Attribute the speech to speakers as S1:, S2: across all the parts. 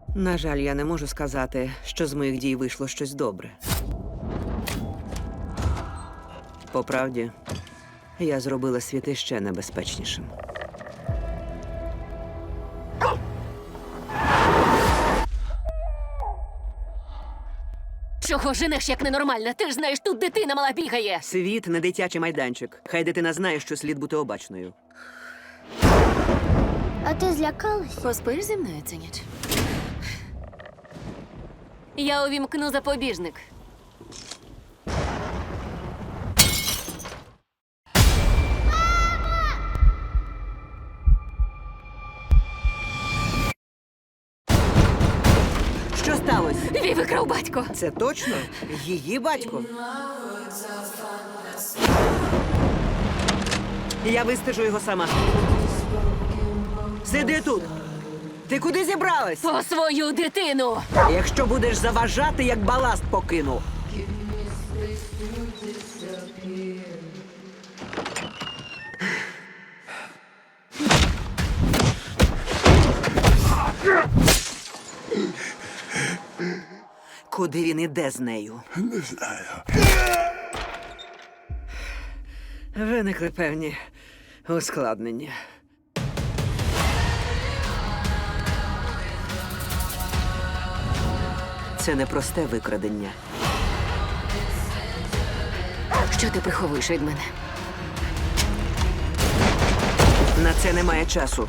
S1: На жаль, я не можу сказати, що з моїх дій вийшло щось добре. По правді, я зробила світ іще небезпечнішим.
S2: Чого женеш, як ненормальна? Ти ж знаєш, тут дитина мала бігає.
S1: Світ не дитячий майданчик. Хай дитина знає, що слід бути обачною.
S3: А ти злякалась?
S2: Поспиш зі мною цю ніч? Я увімкну запобіжник.
S1: Що сталося?
S2: Ві викрав батько.
S1: Це точно? Її батько? Я вистежу його сама. Сиди тут! Ти куди зібралась?
S2: По свою дитину.
S1: Якщо будеш заважати, як баласт покину. Куди він іде з нею?
S4: Не знаю.
S1: Виникли певні ускладнення. Це не просте викрадення.
S2: Що ти приховуєш від мене?
S1: На це немає часу.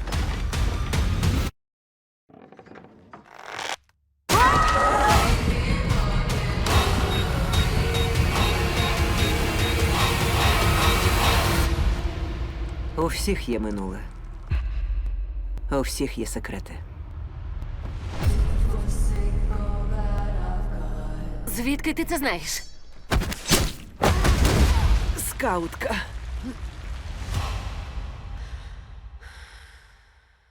S1: У всіх є минуле. У всіх є секрети.
S2: Звідки ти це знаєш?
S1: Скаутка.